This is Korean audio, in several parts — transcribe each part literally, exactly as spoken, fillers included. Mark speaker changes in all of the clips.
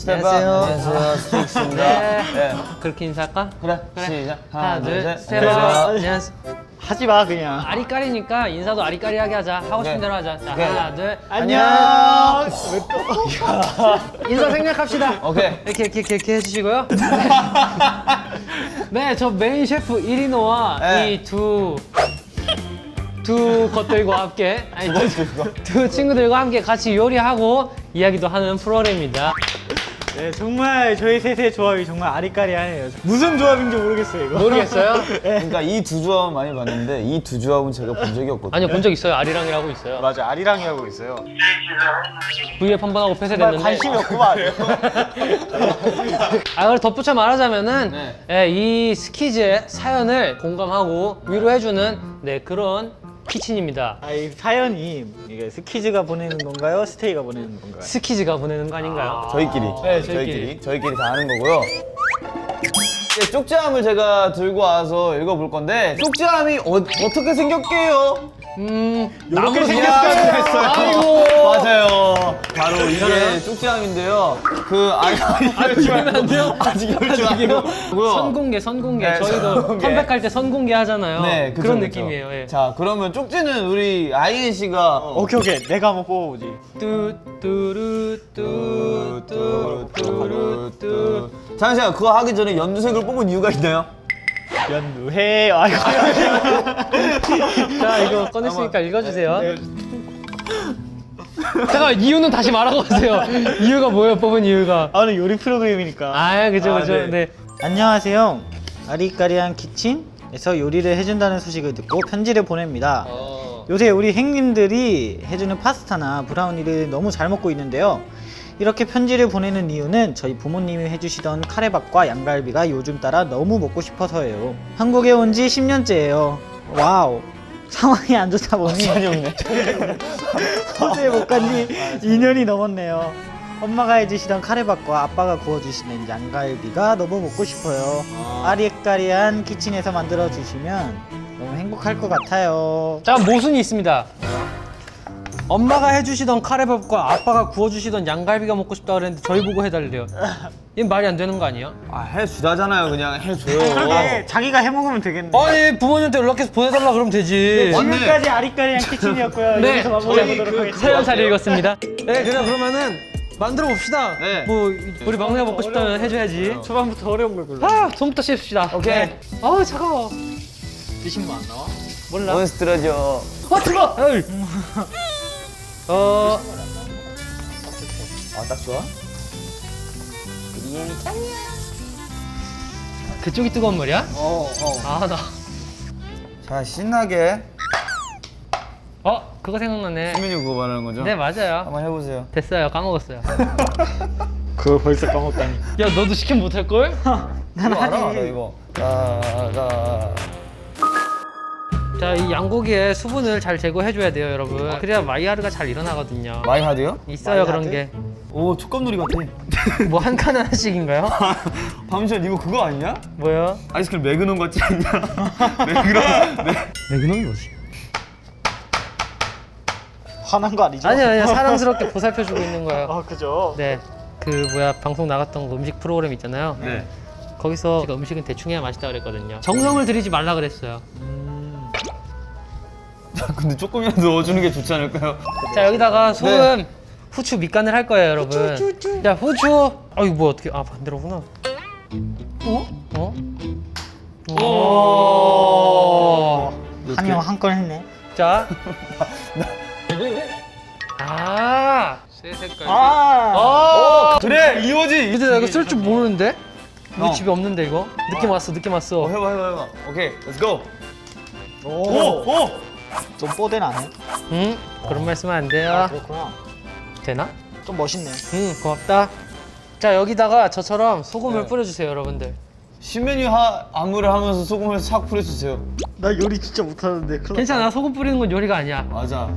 Speaker 1: 스텝 업.
Speaker 2: 안녕하세요.
Speaker 1: 안녕하세요. 스틱스입니다.
Speaker 2: 네.
Speaker 1: 네.
Speaker 2: 그렇게 인사할까?
Speaker 1: 그래.
Speaker 2: 그래.
Speaker 1: 시작.
Speaker 2: 하나, 둘, 셋. 스텝 업.
Speaker 1: 안녕하세요.
Speaker 2: 안녕하세요.
Speaker 3: 하지 마 그냥.
Speaker 2: 아리까리니까 인사도 아리까리하게 하자. 하고 싶은
Speaker 1: 오케이.
Speaker 2: 대로 하자. 자,
Speaker 1: 오케이.
Speaker 2: 하나, 둘.
Speaker 3: 안녕. 왜 또?
Speaker 2: 인사 생략합시다.
Speaker 1: 오케이.
Speaker 2: 이렇게 이렇게 이렇게, 이렇게 해주시고요. 네, 저 메인 셰프 이리노와
Speaker 1: 네.
Speaker 2: 이 두 두 것들과 함께 아니 두, 두 친구들과 함께 같이 요리하고 이야기도 하는 프로그램입니다.
Speaker 3: 네 정말 저희 셋의 조합이 정말 아리까리하네요. 무슨 조합인지 모르겠어요 이거.
Speaker 2: 모르겠어요?
Speaker 1: 그러니까 이 두 조합 많이 봤는데 이 두 조합은 제가 본 적이 없거든요.
Speaker 2: 아니요, 본 적 있어요. 아리랑이라고 있어요.
Speaker 3: 맞아 아리랑이 하고 있어요.
Speaker 2: 브이앱 한 번 하고
Speaker 3: 정말
Speaker 2: 폐쇄됐는데.
Speaker 3: 관심이 없구만.
Speaker 2: 아, 그걸 덧붙여 말하자면은
Speaker 1: 네.
Speaker 2: 예, 이 스키즈의 사연을 공감하고 위로해주는 네, 그런 키친입니다.
Speaker 3: 아, 이 사연이 이게 스키즈가 보내는 건가요? 스테이가 보내는 건가요?
Speaker 2: 스키즈가 보내는 거 아닌가요?
Speaker 1: 저희끼리.
Speaker 2: 네,
Speaker 1: 저희끼리.
Speaker 2: 저희끼리.
Speaker 1: 저희끼리 다 하는 거고요. 네, 쪽지함을 제가 들고 와서 읽어볼 건데 쪽지함이 어, 어떻게 생겼게요?
Speaker 2: 음,
Speaker 3: 이렇게
Speaker 2: 나무로
Speaker 3: 생겼어요.
Speaker 2: 생겼어요. 아이고.
Speaker 1: 맞아요. 바로 이게 쪽지함인데요. 그 아니
Speaker 2: 아직 열면 안 돼요?
Speaker 1: 아직 열지 마세요.
Speaker 2: 선공개, 선공개.
Speaker 1: 네,
Speaker 2: 저희도
Speaker 1: 선공개.
Speaker 2: 컴백할 때 선공개 하잖아요.
Speaker 1: 네, 그쵸,
Speaker 2: 그런
Speaker 1: 그쵸.
Speaker 2: 느낌이에요. 예.
Speaker 1: 자, 그러면 쪽지는 우리 아이엔 씨가
Speaker 3: 오케이 오케이 내가 한번 뽑아보지.
Speaker 2: 뚜뚜루 뚜뚜 뚜루 뚜.
Speaker 1: 잠시만 그거 하기 전에 연두색을 뽑은 이유가 있나요?
Speaker 3: 연두해. 아이고.
Speaker 2: 자, 이거 꺼냈으니까 읽어주세요.
Speaker 3: 네.
Speaker 2: 잠깐, 이유는 다시 말하고 가세요. 이유가 뭐예요? 뽑은 이유가?
Speaker 3: 아 오늘 요리 프로그램이니까.
Speaker 2: 아, 그죠,
Speaker 1: 아,
Speaker 2: 그죠.
Speaker 1: 네.
Speaker 2: 네.
Speaker 3: 안녕하세요. 아리까리한 키친에서 요리를 해준다는 소식을 듣고 편지를 보냅니다.
Speaker 2: 어.
Speaker 3: 요새 우리 행님들이 해주는 파스타나 브라우니를 너무 잘 먹고 있는데요. 이렇게 편지를 보내는 이유는 저희 부모님이 해주시던 카레밥과 양갈비가 요즘 따라 너무 먹고 싶어서예요. 한국에 온 지 십 년째예요. 와우. 상황이 안 좋다 보니
Speaker 1: 시간이 없네.
Speaker 3: 호주에 못 간 지 이 년이 넘었네요. 엄마가 해주시던 카레밥과 아빠가 구워주시는 양갈비가 너무 먹고 싶어요. 아리까리한 키친에서 만들어주시면 너무 행복할 것 같아요.
Speaker 2: 자, 모순이 있습니다. 엄마가 해주시던 카레밥과 아빠가 구워주시던 양갈비가 먹고 싶다 그랬는데 저희 보고 해달래요. 이건 말이 안 되는 거 아니에요?
Speaker 1: 아, 해주다잖아요. 그냥 해줘요.
Speaker 3: 그러게 자기가 해먹으면 되겠네.
Speaker 2: 아니, 부모님한테 연락해서 보내달라 그러면 되지.
Speaker 1: 맞네.
Speaker 3: 지금까지 아리까리한 키친이었고요.
Speaker 2: 네,
Speaker 3: 여기서 마무리해보도록
Speaker 2: 그
Speaker 3: 하겠습니다.
Speaker 2: 사연 잘 읽었습니다. 네, 그냥 그러면은 만들어 봅시다.
Speaker 1: 네.
Speaker 2: 뭐 우리 막내가 먹고 싶다면 해줘야지.
Speaker 3: 초반부터 어려운 걸 골라.
Speaker 2: 아, 손부터 씹읍시다.
Speaker 1: 오케이.
Speaker 2: 네. 아우, 차가워.
Speaker 3: 드신 거 안 나와?
Speaker 2: 몰라.
Speaker 1: 몬스트러죠.
Speaker 2: 아, 뜨거. 에이. 어,
Speaker 1: 아, 딱 좋아?
Speaker 2: 그쪽이 뜨거운 말이야?
Speaker 1: 어, 어.
Speaker 2: 아, 나.
Speaker 1: 자, 신나게.
Speaker 2: 어, 그거 생각나네.
Speaker 1: 수민이 그거 말하는 거죠?
Speaker 2: 네, 맞아요.
Speaker 1: 한번 해보세요.
Speaker 2: 됐어요. 까먹었어요.
Speaker 3: 그걸 벌써 까먹다니.
Speaker 2: 야, 너도 시키면 못할걸?
Speaker 3: 난
Speaker 1: 이거 알아,
Speaker 3: 하지.
Speaker 1: 나 이거. 자, 자.
Speaker 2: 자, 이 양고기에 수분을 잘 제거해줘야 돼요, 여러분. 그래야 마이하르가 잘 일어나거든요.
Speaker 1: 마이 하드요?
Speaker 2: 있어요, 그런
Speaker 3: 마이하드?
Speaker 2: 게.
Speaker 1: 오, 촉감놀이 같아.
Speaker 2: 뭐 한 칸 하나씩인가요?
Speaker 1: 밤시간 이거 그거 아니냐?
Speaker 2: 뭐요?
Speaker 1: 아이스크림 매그넘 같지 않냐? 매그넘. 매...
Speaker 2: 매그넘이 뭐지?
Speaker 3: 화난 거 아니죠?
Speaker 2: 아니요, 아니요. 사랑스럽게 보살펴주고 있는 거예요.
Speaker 3: 아 그죠?
Speaker 2: 네. 그 뭐야, 방송 나갔던 거 음식 프로그램 있잖아요.
Speaker 1: 네.
Speaker 2: 거기서 제가 음식은 대충 해야 맛있다 그랬거든요. 정성을 들이지 말라 그랬어요.
Speaker 1: 근데 조금이라도 넣어주는 게 좋지 않을까요?
Speaker 2: 자, 여기다가 소금,
Speaker 1: 네.
Speaker 2: 후추 밑간을 할 거예요, 여러분.
Speaker 3: 후추.
Speaker 2: 자, 후추. 아, 이거 뭐 어떻게? 아, 반대로구나. 어? 어? 오.
Speaker 3: 한명 한 건 했네.
Speaker 2: 자. 아. 새 색깔.
Speaker 3: 아.
Speaker 2: 아.
Speaker 1: 그래, 이거지.
Speaker 2: 근데 나 이거 쓸 줄 모르는데? 이거
Speaker 1: 어.
Speaker 2: 집에 없는데 이거? 느낌 왔어, 느낌 왔어.
Speaker 1: 어, 해봐, 해봐, 해봐. 오케이, 렛츠 고.
Speaker 3: 오.
Speaker 1: 오, 오.
Speaker 3: 좀 뽀대나네.
Speaker 2: 응? 그런 말씀은 안 돼요.
Speaker 3: 아, 그렇구나.
Speaker 2: 되나?
Speaker 3: 좀 멋있네.
Speaker 2: 응, 고맙다. 자, 여기다가 저처럼 소금을
Speaker 1: 네.
Speaker 2: 뿌려주세요, 여러분들.
Speaker 1: 신메뉴 하, 안무를 하면서 소금을 싹 뿌려주세요.
Speaker 3: 나 요리 진짜 못하는데. 큰일
Speaker 2: 괜찮아, 소금 뿌리는 건 요리가 아니야.
Speaker 1: 맞아.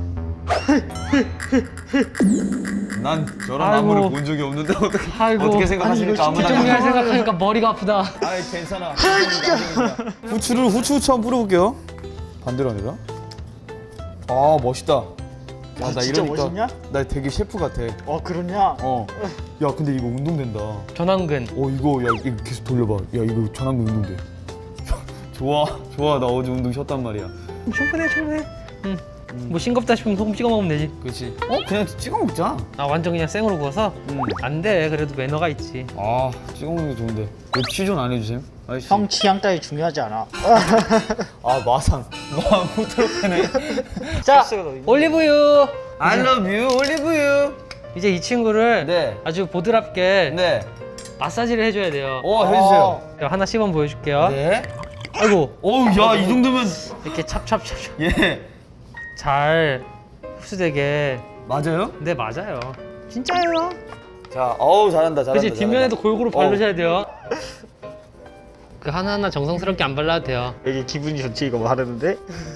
Speaker 1: 난 저런
Speaker 2: 아이고.
Speaker 1: 안무를 본 적이 없는데 어떻게
Speaker 2: 아이고.
Speaker 1: 어떻게 생각하십니까?
Speaker 3: 아니, 이거
Speaker 1: 아무나.
Speaker 2: 정리할 생각하니까 머리가 아프다.
Speaker 1: 아이 괜찮아. 후추를 후추 후추 한번 뿌려볼게요. 반대로 하니까. 아 멋있다. 야, 나
Speaker 3: 진짜
Speaker 1: 이러니까
Speaker 3: 멋있냐?
Speaker 1: 나 되게 셰프 같아.
Speaker 3: 어 그러냐?
Speaker 1: 어. 야, 근데 이거 운동된다. 어,
Speaker 2: 전완근.
Speaker 1: 이거 야, 이거 계속 돌려봐. 야, 이거 전완근 운동돼. 좋아, 좋아. 나 어제 운동 쉬었단 말이야.
Speaker 2: 충분해 충분해. 응. 뭐 싱겁다 싶으면 소금 찍어 먹으면 되지.
Speaker 1: 그렇지. 어? 그냥 찍어 먹자.
Speaker 2: 아 완전 그냥 생으로 구워서?
Speaker 1: 음.
Speaker 2: 안 돼. 그래도 매너가 있지.
Speaker 1: 아, 찍어 먹는 게 좋은데. 왜 취존 안 해주셈? 아저씨.
Speaker 3: 형 취향 따위 중요하지 않아.
Speaker 1: 아, 마상. 마상 후트로pe네.
Speaker 2: 자, 올리브유.
Speaker 1: I love you, 올리브유.
Speaker 2: 이제 이 친구를
Speaker 1: 네.
Speaker 2: 아주 보드랍게
Speaker 1: 네.
Speaker 2: 마사지를 해줘야 돼요.
Speaker 1: 어, 해주세요.
Speaker 2: 자, 하나 시범 보여줄게요.
Speaker 1: 네.
Speaker 2: 아이고,
Speaker 1: 어우, 야, 이 정도면.
Speaker 2: 이렇게 찹찹찹찹
Speaker 1: 예.
Speaker 2: 잘 흡수되게.
Speaker 1: 맞아요?
Speaker 2: 네, 맞아요. 진짜예요.
Speaker 1: 자, 어우, 잘한다, 잘한다.
Speaker 2: 그치, 뒷면에도 골고루
Speaker 1: 어.
Speaker 2: 바르셔야 돼요. 그 하나하나 정성스럽게 안 발라도 돼요.
Speaker 3: 되게 기분이 좋지 이거 바르는데?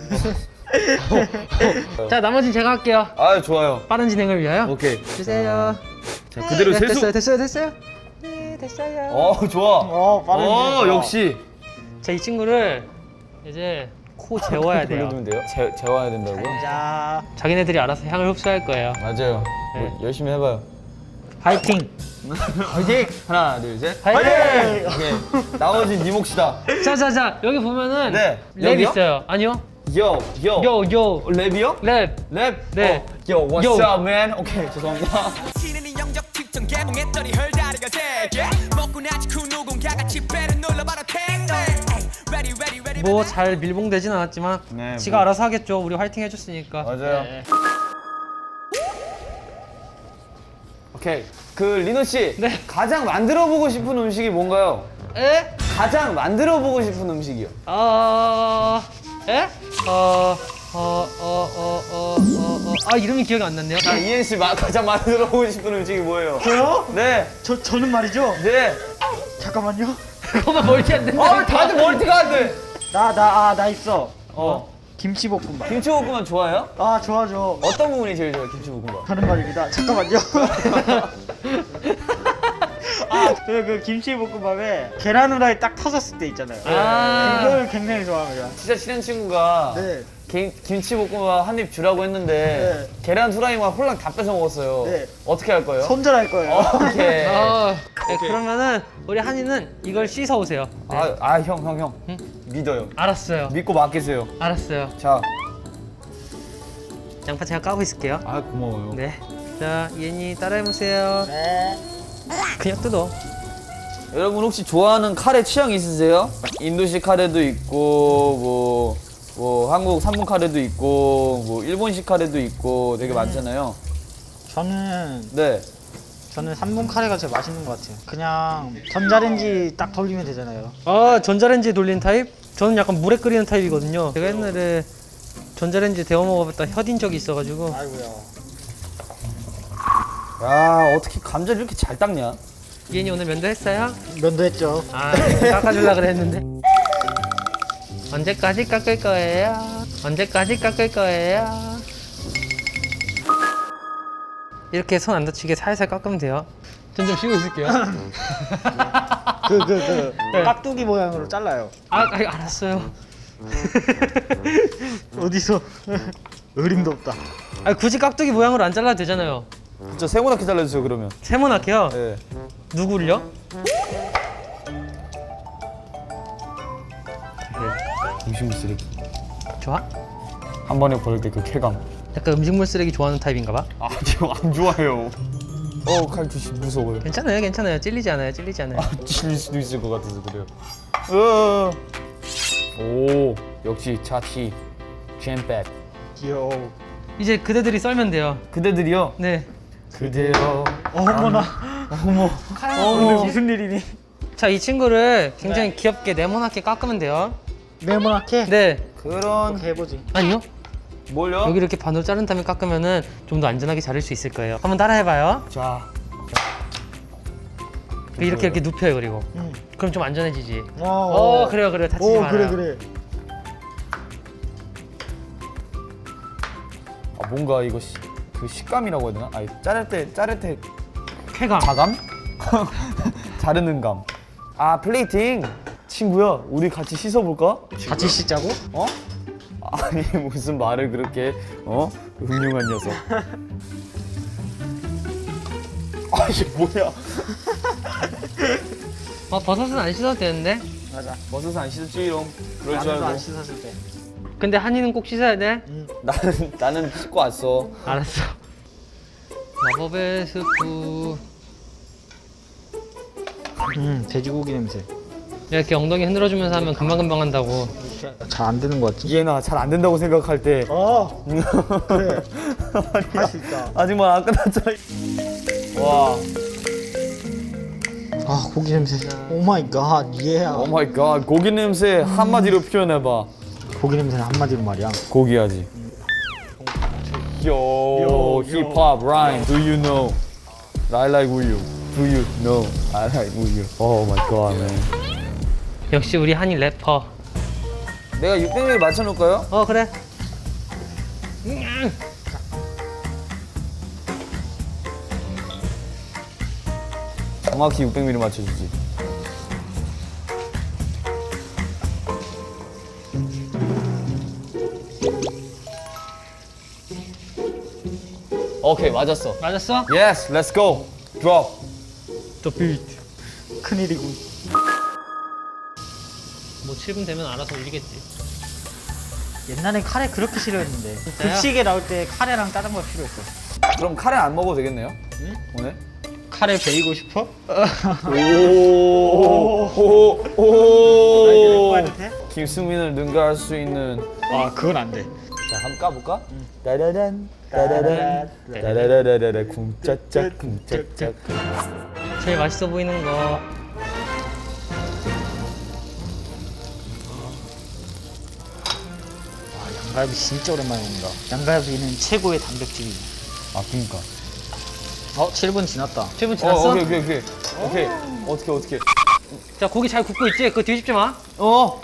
Speaker 2: 자, 나머지는 제가 할게요.
Speaker 1: 아, 좋아요.
Speaker 2: 빠른 진행을 위하여.
Speaker 1: 오케이.
Speaker 2: 주세요.
Speaker 1: 자, 그대로
Speaker 2: 네,
Speaker 1: 세수.
Speaker 2: 됐어요, 됐어요, 됐어요. 네, 됐어요.
Speaker 1: 어, 좋아.
Speaker 3: 어 빠른
Speaker 1: 어,
Speaker 3: 진행.
Speaker 1: 역시.
Speaker 2: 자, 이 친구를 이제 코 재워야 돼요.
Speaker 1: 돌려두면 돼요? 재, 재워야 된다고요?
Speaker 3: 자
Speaker 2: 자기네들이 알아서 향을 흡수할 거예요.
Speaker 1: 맞아요.
Speaker 2: 네.
Speaker 1: 뭐, 열심히 해봐요.
Speaker 3: 파이팅.
Speaker 1: 화이팅! 하나, 둘, 셋.
Speaker 2: 화이팅!
Speaker 1: 오케이. 나머지 네 몫이다.
Speaker 2: 자, 자, 자, 여기 보면은
Speaker 1: 네.
Speaker 2: 랩
Speaker 1: 여기요?
Speaker 2: 있어요. 아니요?
Speaker 1: 요, 요.
Speaker 2: 요, 요,
Speaker 1: 랩이요?
Speaker 2: 랩.
Speaker 1: 랩?
Speaker 2: 네.
Speaker 1: 어, 요, what's
Speaker 2: 요.
Speaker 1: up, man? 오케이, 죄송합니다.
Speaker 4: 치는 이 영적 특정 개봉했더니 헐다리가 되게 먹고 나지 그 누군가가 집배를 눌러봐라 탱 ready ready ready
Speaker 2: 뭐 잘 밀봉되진 않았지만
Speaker 1: 네,
Speaker 2: 지가
Speaker 1: 뭐.
Speaker 2: 알아서 하겠죠. 우리 화이팅 해줬으니까.
Speaker 1: 맞아요.
Speaker 2: 네.
Speaker 1: 오케이. 그, 리노 씨.
Speaker 2: 네.
Speaker 1: 가장 만들어보고 싶은 음식이 뭔가요?
Speaker 2: 에?
Speaker 1: 가장 만들어보고 싶은 음식이요.
Speaker 2: 어... 에? 어... 어... 어... 어... 어... 어... 어... 아, 이름이 기억이 안 났네요.
Speaker 1: 자, 이엔 씨 마, 가장 만들어보고 싶은 음식이 뭐예요?
Speaker 3: 저요?
Speaker 1: 네.
Speaker 3: 저 저는 말이죠.
Speaker 1: 네.
Speaker 3: 잠깐만요.
Speaker 2: 그거만 멀티 안 된다.
Speaker 1: 아, 다들 멀티가 안 돼.
Speaker 3: 나 나 아 나 있어.
Speaker 1: 어.
Speaker 3: 김치볶음밥.
Speaker 1: 김치볶음밥 좋아해요?
Speaker 3: 아 좋아죠.
Speaker 1: 어떤 부분이 제일 좋아요, 김치볶음밥?
Speaker 3: 하는 말입니다. 잠깐만요. 아, 그, 그 김치볶음밥에 계란 후라이 딱 터졌을 때 있잖아요.
Speaker 2: 아.
Speaker 3: 그걸 굉장히 좋아합니다.
Speaker 1: 진짜 친한 친구가
Speaker 3: 네.
Speaker 1: 김, 김치볶음밥 한 입 주라고 했는데
Speaker 3: 네.
Speaker 1: 계란 후라이만 홀랑 다 뺏어 먹었어요.
Speaker 3: 네.
Speaker 1: 어떻게 할 거예요?
Speaker 3: 손절할 거예요.
Speaker 1: 오케이.
Speaker 2: 어... 네, 그러면은 우리 한이는 이걸 씻어 오세요. 네.
Speaker 1: 아, 아, 형, 형, 형.
Speaker 2: 응?
Speaker 1: 믿어요.
Speaker 2: 알았어요.
Speaker 1: 믿고 맡기세요.
Speaker 2: 알았어요.
Speaker 1: 자,
Speaker 2: 양파 제가 까고 있을게요.
Speaker 1: 아, 고마워요.
Speaker 2: 네. 자, 이엔이 따라해보세요.
Speaker 3: 네.
Speaker 2: 그냥 뜯어.
Speaker 1: 여러분 혹시 좋아하는 카레 취향 있으세요? 인도식 카레도 있고 뭐, 뭐 한국 삼분 카레도 있고 뭐 일본식 카레도 있고 되게 많잖아요.
Speaker 3: 저는
Speaker 1: 네.
Speaker 3: 저는 삼 분 카레가 제일 맛있는 것 같아요. 그냥 전자레인지 딱 돌리면 되잖아요.
Speaker 2: 아, 전자레인지에 돌리는 타입? 저는 약간 물에 끓이는 타입이거든요. 제가 옛날에 전자레인지 데워 먹어봤다 혀딘 적이 있어가지고.
Speaker 3: 아이고야.
Speaker 1: 야, 어떻게 감자를 이렇게 잘 닦냐?
Speaker 2: 이엔이 오늘 면도했어요?
Speaker 3: 면도했죠.
Speaker 2: 아, 깎아주려고 그랬는데. 언제까지 깎을 거예요? 언제까지 깎을 거예요? 이렇게 손 안 다치게 살살 깎으면 돼요. 전 좀 쉬고 있을게요.
Speaker 3: 그 그 그
Speaker 2: 네.
Speaker 3: 깍두기 모양으로 잘라요.
Speaker 2: 아, 아 알았어요.
Speaker 3: 어디서 어림도 없다.
Speaker 2: 아, 굳이 깍두기 모양으로 안 잘라도 되잖아요.
Speaker 1: 진짜 세모나게 잘라주세요 그러면.
Speaker 2: 세모나게요?
Speaker 1: 네.
Speaker 2: 누구를요?
Speaker 1: 음식물 쓰레기.
Speaker 2: 좋아?
Speaker 1: 한 번에 버릴 때 그 쾌감.
Speaker 2: 약간 음식물 쓰레기 좋아하는 타입인가 봐.
Speaker 1: 아, 저 안 좋아해요. 어, 칼 조심 무서워요.
Speaker 2: 괜찮아요, 괜찮아요. 찔리지 않아요, 찔리지 않아요.
Speaker 1: 아, 찔릴 수도 있을 것 같아서 그래요. 으. 오, 역시 차치 잼백.
Speaker 3: 귀여워.
Speaker 2: 이제 그대들이 썰면 돼요.
Speaker 1: 그대들이요?
Speaker 2: 네.
Speaker 1: 그대여.
Speaker 3: 어머나.
Speaker 1: 어머.
Speaker 3: 오늘 무슨 일이니?
Speaker 2: 자, 이 친구를 굉장히 귀엽게 네모나게 깎으면 돼요.
Speaker 3: 네모나게.
Speaker 2: 네.
Speaker 1: 그런
Speaker 3: 이렇게 해보지.
Speaker 2: 아니요.
Speaker 1: 뭘요?
Speaker 2: 여기 이렇게 반으로 자른 다음에 깎으면은 좀 더 안전하게 자를 수 있을 거예요. 한번 따라해봐요.
Speaker 1: 자.
Speaker 2: 이렇게 이렇게 눕혀요, 그리고.
Speaker 3: 응.
Speaker 2: 그럼 좀 안전해지지.
Speaker 3: 어,
Speaker 2: 어, 그래요, 그래요. 다치지
Speaker 3: 오,
Speaker 2: 말아요.
Speaker 3: 그래 그래.
Speaker 1: 아, 뭔가 이거 시, 그 식감이라고 해야 되나? 아니, 자를 때 자를 때
Speaker 2: 쾌감.
Speaker 1: 자감? 자르는 감. 아, 플레이팅. 친구야, 우리 같이 씻어볼까?
Speaker 3: 같이 씻자고?
Speaker 1: 어? 아니 무슨 말을 그렇게 어? 훌륭한 녀석. 아 이게 뭐야?
Speaker 2: 아 버섯은 안 씻어도 되는데?
Speaker 3: 맞아.
Speaker 1: 버섯은 안 씻었지롱. 그럴 줄
Speaker 3: 나도 안
Speaker 1: 알고.
Speaker 3: 씻었을 때.
Speaker 2: 근데 한이는 꼭 씻어야 돼?
Speaker 1: 나는 나는 씻고 왔어.
Speaker 2: 알았어. 마법의 스프.
Speaker 3: 음, 돼지고기 냄새.
Speaker 2: 이렇게 엉덩이 흔들어주면서 하면 금방금방 한다고.
Speaker 3: 잘 안 되는 것 같지?
Speaker 1: 이해나 잘 안 된다고 생각할 때.
Speaker 3: 어. 그래.
Speaker 1: 아니야.
Speaker 3: 할 수 있다.
Speaker 1: 아직만 안 끝났잖아. 와.
Speaker 3: 아, 고기 냄새. 오 마이 갓. 예.
Speaker 1: 오 마이 갓. 고기 냄새 한마디로 표현해 봐.
Speaker 3: 고기 냄새는 한마디로 말이야.
Speaker 1: 고기야지. Yo, hip hop rhyme. Do you know? I like 우유. Do you know? I like 우유. Oh my god, man.
Speaker 2: 역시 우리 한이 래퍼.
Speaker 1: 내가 육백 밀리리터 맞춰놓을까요?
Speaker 2: 어 그래.
Speaker 1: 정확히 육백 밀리리터 맞춰주지. 오케이 맞았어.
Speaker 2: 맞았어?
Speaker 1: Yes, let's go. Drop.
Speaker 2: The beat.
Speaker 3: 큰일이고.
Speaker 2: 뭐 칠 분 되면 알아서 올리겠지.
Speaker 3: 옛날엔 카레 그렇게 싫어했는데.
Speaker 2: 진짜요?
Speaker 3: 급식에 나올 때 카레랑 짜장면 필요했어.
Speaker 1: 그럼 카레 안 먹어도 되겠네요?
Speaker 3: 응?
Speaker 1: 오늘?
Speaker 3: 카레 베이고 싶어?
Speaker 1: 오오오
Speaker 3: 해도 돼?
Speaker 1: 김수민을 능가할 수 있는.
Speaker 3: 아, 그건 안 돼.
Speaker 1: 자 한번 까볼까? 따라란 따라란 따라라라라라 쿵짜짜 쿵짜짜.
Speaker 2: 제일 맛있어 보이는 거.
Speaker 3: 양갈비 진짜 오랜만에 먹는다. 양갈비는 최고의 단백질이.
Speaker 1: 아 그니까.
Speaker 3: 어, 칠 분 지났다.
Speaker 2: 칠 분
Speaker 1: 어
Speaker 2: 지났어?
Speaker 1: 오케이 오케이 오케이 오케이 어떻게 어떻게.
Speaker 2: 자 고기 잘 굽고 있지? 그거 뒤집지 마.
Speaker 1: 어.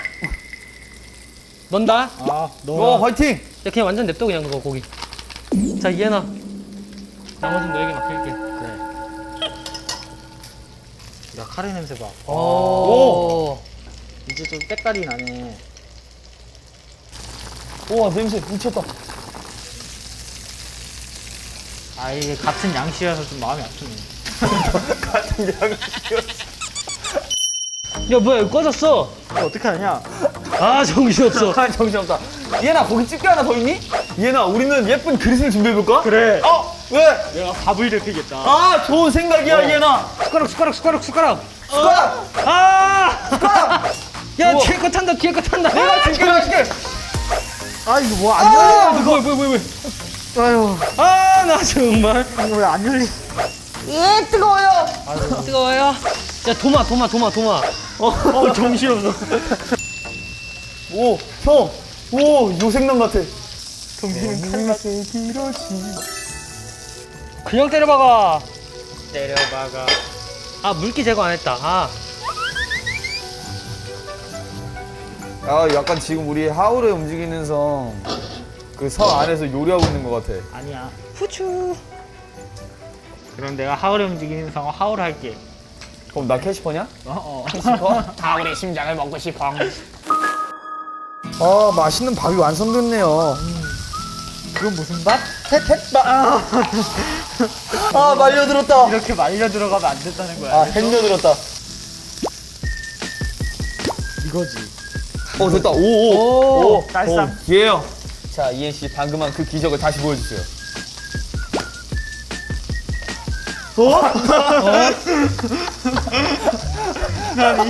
Speaker 2: 넣는다.
Speaker 3: 아,
Speaker 1: 어 화이팅.
Speaker 2: 야 그냥 완전 냅둬 그냥 그거 고기. 자 이해나. 나머지는 너에게 맡길게.
Speaker 3: 야, 카레 냄새 봐.
Speaker 2: 오.
Speaker 3: 이제 좀 때깔이 나네.
Speaker 1: 우와 냄새 미쳤다.
Speaker 3: 아, 이게 같은 양씨라서 좀 마음이 아프네.
Speaker 2: 야 뭐야 이거 꺼졌어.
Speaker 3: 이거 어떻게 하냐?
Speaker 2: 아 정신없어.
Speaker 1: 아 정신없다. 얘나 거기 집게 하나 더 있니? 얘나 우리는 예쁜 그릇을 준비해볼까?
Speaker 3: 그래.
Speaker 1: 어 왜?
Speaker 3: 내가 밥을 데피겠다.
Speaker 1: 아 좋은 생각이야 얘나.
Speaker 2: 숟가락 숟가락 숟가락 숟가락.
Speaker 1: 숟가락.
Speaker 2: 아.
Speaker 1: 숟가락.
Speaker 2: 야
Speaker 1: 우와.
Speaker 2: 뒤에 거 탄다 뒤에 거 탄다.
Speaker 1: 내가 집게 해줄게.
Speaker 3: 아, 이거 뭐 안
Speaker 1: 아
Speaker 3: 열려?
Speaker 1: 뭐야 뭐야 뭐야.
Speaker 3: 아유,
Speaker 2: 아 나 정말.
Speaker 3: 이거 왜 안 열리?
Speaker 1: 예 뜨거워요.
Speaker 2: 뜨거워요. 야 도마 도마 도마 도마.
Speaker 3: 어, 정신없어.
Speaker 1: 오 형. 오 요생남 같아.
Speaker 3: 정신은 칼같이
Speaker 2: 그냥 때려박아.
Speaker 3: 때려박아.
Speaker 2: 아 물기 제거 안 했다. 아.
Speaker 1: 아 약간 지금 우리 하울의 움직이는 성 그 성 안에서 요리하고 있는 것 같아.
Speaker 3: 아니야.
Speaker 2: 후추.
Speaker 3: 그럼 내가 하울의 움직이는 상어 하울 할게.
Speaker 1: 그럼 나 캐시퍼냐?
Speaker 3: 어, 어.
Speaker 1: 캐시퍼? 하울의 심장을 먹고 싶어. 아 맛있는 밥이 완성됐네요.
Speaker 3: 그건 무슨 밥?
Speaker 1: 햇햇밥. 아 말려들었다.
Speaker 3: 이렇게 말려 들어가면 안 된다는 거야.
Speaker 1: 아 햇려들었다.
Speaker 3: 이거지.
Speaker 1: 어 됐다. 오오. 오,
Speaker 3: 쌀쌈.
Speaker 1: 오, 예요. 자 이엔 씨 방금 한 그 기적을 다시 보여주세요. 어?
Speaker 3: 나니.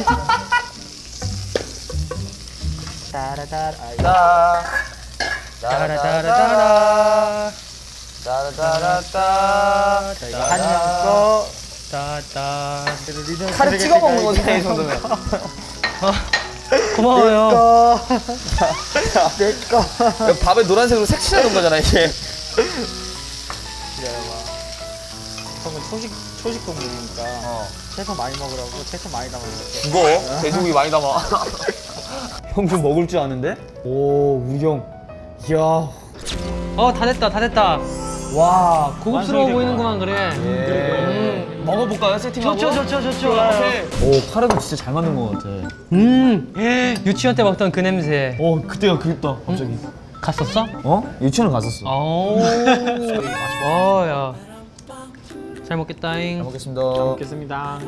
Speaker 3: 따라따라.
Speaker 1: 따.
Speaker 2: 따라따라따라.
Speaker 1: 따라따라따.
Speaker 3: 한명 거.
Speaker 2: 따따.
Speaker 1: 칼에 찍어 먹는 거잖아 이 정도면.
Speaker 2: 고마워요.
Speaker 3: 거. 내 거.
Speaker 1: 밥에 노란색으로 색칠하는 거잖아 이게.
Speaker 3: 기다려봐. 형은 초식 초식 동물이니까
Speaker 1: 어.
Speaker 3: 채소 많이 먹으라고 채소 많이 담아줄게.
Speaker 1: 죽어. 돼지고기 많이 담아. 형 좀 먹을 줄 아는데? 오 우영. 이야.
Speaker 2: 어 다 됐다 다 됐다.
Speaker 1: 와.
Speaker 2: 고급스러워
Speaker 3: 완성이
Speaker 2: 보이는구만 그래.
Speaker 1: 예.
Speaker 2: 음
Speaker 1: 먹어볼까요? 세팅하고?
Speaker 2: 좋죠, 좋죠, 좋죠.
Speaker 1: 오, 카레도 진짜 잘 만든 것 같아.
Speaker 2: 음, 유치원 때 먹던 그 냄새.
Speaker 1: 오, 그때가 그립다, 갑자기.
Speaker 2: 갔었어?
Speaker 1: 어? 유치원 갔었어.
Speaker 2: 오, 어, 야. 잘 먹겠다잉.
Speaker 1: 잘 먹겠습니다.
Speaker 3: 먹겠습니다.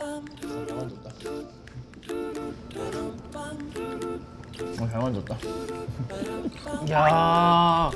Speaker 1: 어, 잘 만졌다.
Speaker 2: 야.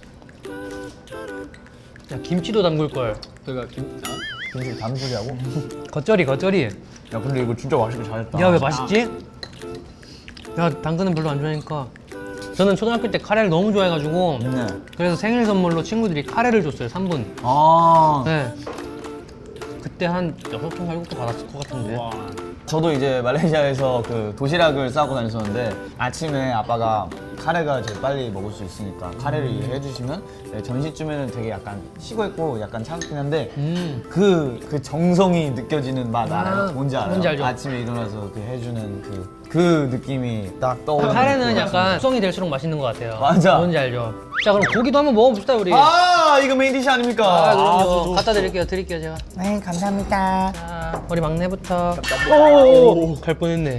Speaker 2: 야, 김치도 담글 걸.
Speaker 3: 그가 김.
Speaker 1: 김치 다른 소리 하고?
Speaker 2: 겉절이, 겉절이.
Speaker 1: 야, 근데 이거 진짜 맛있게 잘했다.
Speaker 2: 야, 왜 맛있지? 야, 당근은 별로 안 좋아하니까. 저는 초등학교 때 카레를 너무 좋아해가지고
Speaker 1: 네.
Speaker 2: 그래서 생일 선물로 친구들이 카레를 줬어요, 삼 분.
Speaker 1: 아.
Speaker 2: 네. 그때 한 여섯 통, 일곱 통 받았을 것 같은데.
Speaker 1: 저도 이제 말레이시아에서 그 도시락을 싸고 다녔었는데 아침에 아빠가 카레가 제일 빨리 먹을 수 있으니까 카레를 해주시면 네, 점심쯤에는 되게 약간 식어있고 약간 차갑긴 한데
Speaker 2: 음.
Speaker 1: 그, 그 정성이 느껴지는 맛 알아요?
Speaker 2: 아,
Speaker 1: 뭔지 알아요?
Speaker 2: 뭔지 알죠.
Speaker 1: 아침에 일어나서 그 해주는 그, 그 느낌이 딱 떠오르는
Speaker 2: 카레는
Speaker 1: 것
Speaker 2: 약간
Speaker 1: 같습니다.
Speaker 2: 숙성이 될수록 맛있는 것 같아요.
Speaker 1: 맞아.
Speaker 2: 뭔지 알죠? 자, 그럼 고기도 한번 먹어봅시다, 우리.
Speaker 1: 아 이거 메인 디시 아닙니까?
Speaker 2: 아, 그럼요. 갖다 드릴게요, 드릴게요, 제가.
Speaker 1: 네 감사합니다.
Speaker 2: 자, 우리 막내부터. 오, 갈 뻔했네.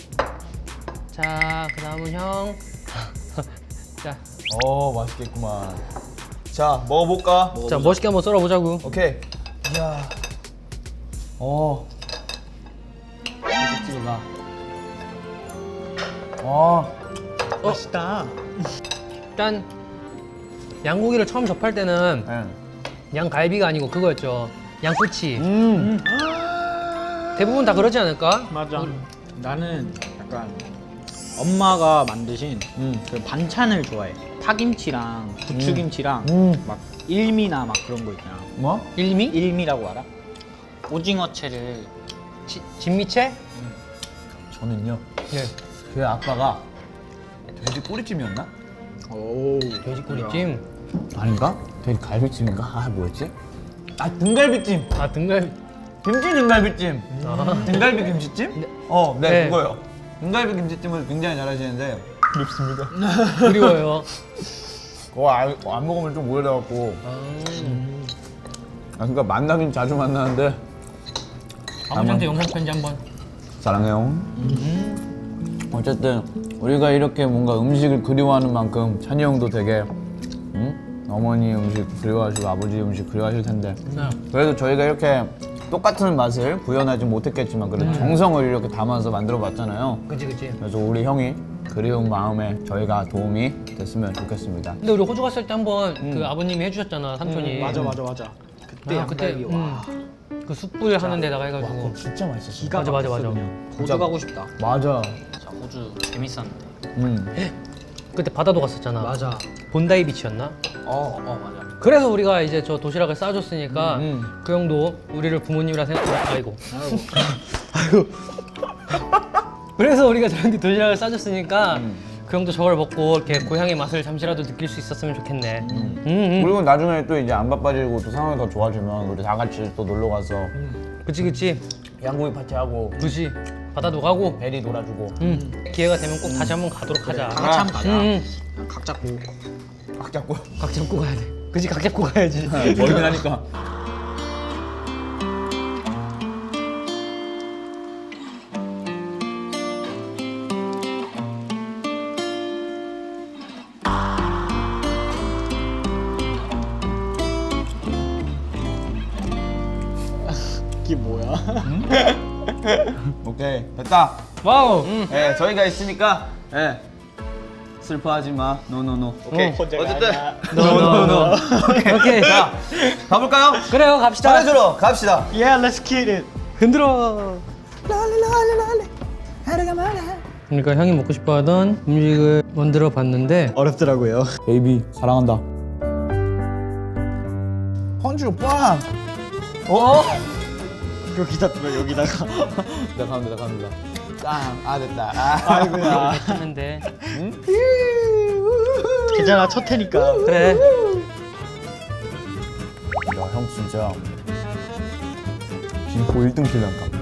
Speaker 2: 자, 그 다음은 형. 자,
Speaker 1: 어 맛있겠구만. 자 먹어볼까?
Speaker 2: 자, 멋있게 한번 썰어보자고.
Speaker 1: 오케이. 이야. 어. 이렇게 찍어가. 어.
Speaker 3: 맛있다.
Speaker 2: 일단 양고기를 처음 접할 때는
Speaker 1: 네.
Speaker 2: 양갈비가 아니고 그거였죠. 양꼬치.
Speaker 1: 음.
Speaker 2: 대부분 다 그러지 않을까?
Speaker 3: 맞아. 나는 약간 엄마가 만드신
Speaker 1: 음.
Speaker 3: 그 반찬을 좋아해. 파김치랑 부추김치랑
Speaker 1: 음.
Speaker 3: 막 일미나 막 그런 거 있잖아.
Speaker 1: 뭐?
Speaker 2: 일미?
Speaker 3: 일미라고 알아? 오징어채를
Speaker 2: 지, 진미채?
Speaker 1: 저는요.
Speaker 2: 예.
Speaker 1: 그 아빠가 돼지 꼬리찜이었나?
Speaker 3: 오
Speaker 2: 돼지꼬리찜.
Speaker 1: 아닌가? 돼지 갈비찜인가? 아 뭐였지? 아 등갈비찜.
Speaker 2: 아, 등갈비.
Speaker 1: 김치 등갈비찜.
Speaker 2: 아.
Speaker 1: 등갈비 김치찜?
Speaker 2: 네.
Speaker 1: 어, 네,
Speaker 2: 네.
Speaker 1: 그거요. 등갈비 김치찜을 굉장히 잘하시는데 그립습니다.
Speaker 2: 그리워요.
Speaker 1: 그거 안, 안 먹으면 좀 오래돼갖고.
Speaker 2: 아,
Speaker 1: 아, 그러니까 만나긴 자주 만나는데
Speaker 2: 아버지한테 영상 편지 한번.
Speaker 1: 사랑해요. 어쨌든 우리가 이렇게 뭔가 음식을 그리워하는 만큼 찬이 형도 되게 응? 어머니 음식 그리워하시고 아버지 음식 그리워하실 텐데
Speaker 2: 네.
Speaker 1: 그래도 저희가 이렇게 똑같은 맛을 구현하지 못했겠지만 그래도 정성을 이렇게 담아서 만들어 봤잖아요.
Speaker 2: 그치, 그치.
Speaker 1: 그래서 우리 형이 그리운 마음에 저희가 도움이 됐으면 좋겠습니다.
Speaker 2: 근데 우리 호주 갔을 때 한번 그 아버님이 해주셨잖아, 삼촌이.
Speaker 3: 맞아 맞아 맞아. 그때
Speaker 2: 아, 그때
Speaker 3: 양갈비 와.
Speaker 2: 음, 그 숯불 하는 데다가 해가지고.
Speaker 1: 진짜 맛있었어.
Speaker 3: 기가
Speaker 2: 맞아, 맞아,
Speaker 3: 막혔어,
Speaker 2: 맞아.
Speaker 3: 그냥. 호주 가고 싶다.
Speaker 1: 맞아.
Speaker 3: 자, 호주 재밌었는데.
Speaker 1: 음.
Speaker 2: 그때 바다도 갔었잖아.
Speaker 3: 맞아.
Speaker 2: 본다이 비치였나?
Speaker 3: 어, 어 맞아.
Speaker 2: 그래서 우리가 이제 저 도시락을 싸줬으니까
Speaker 1: 음.
Speaker 2: 그 형도 우리를 부모님이라 생각하고 아이고.
Speaker 3: 아이고.
Speaker 2: 그래서 우리가 저한테 도시락을 싸줬으니까
Speaker 1: 음.
Speaker 2: 그 형도 저걸 먹고 이렇게 고향의 맛을 잠시라도 느낄 수 있었으면 좋겠네. 음. 음,
Speaker 1: 그리고 나중에 또 이제 안 바빠지고 또 상황이 더 좋아지면 우리 다 같이 또 놀러 가서
Speaker 2: 그치, 그치.
Speaker 1: 양고기 파티하고
Speaker 2: 그치. 바다도 가고.
Speaker 1: 베리 놀아주고
Speaker 2: 음. 기회가 되면 꼭 다시 한번 가도록 하자.
Speaker 3: 다 같이 한번 가자.
Speaker 2: 음,
Speaker 3: 각 잡고.
Speaker 1: 각 잡고
Speaker 2: 각 잡고 가야 돼. 그치, 각 잡고 가야지.
Speaker 1: 멀긴 하니까.
Speaker 3: 이게 뭐야?
Speaker 1: 오케이 됐다.
Speaker 2: 와우.
Speaker 1: 예, 저희가 있으니까 예. 슬퍼하지 마. 노노노. 오케이.
Speaker 2: 응.
Speaker 1: 어쨌든
Speaker 2: 노노노. 오케이.
Speaker 1: 자 가볼까요?
Speaker 2: 그래요, 갑시다.
Speaker 1: 잘해주러 갑시다.
Speaker 3: Yeah, let's get it.
Speaker 2: 흔들어. 그러니까 형이 먹고 싶어하던 음식을 만들어 봤는데
Speaker 3: 어렵더라고요.
Speaker 1: 베이비 사랑한다. 펀치로 빵.
Speaker 2: 어?
Speaker 3: 여기다 또 여기다가.
Speaker 1: 나 갑니다 갑니다. 짱. 아 됐다. 아.
Speaker 3: 아이고야.
Speaker 2: 했는데
Speaker 3: 괜찮아, 첫 해니까.
Speaker 2: 그래.
Speaker 1: 야 형 진짜 김포 일 등 킬러인가?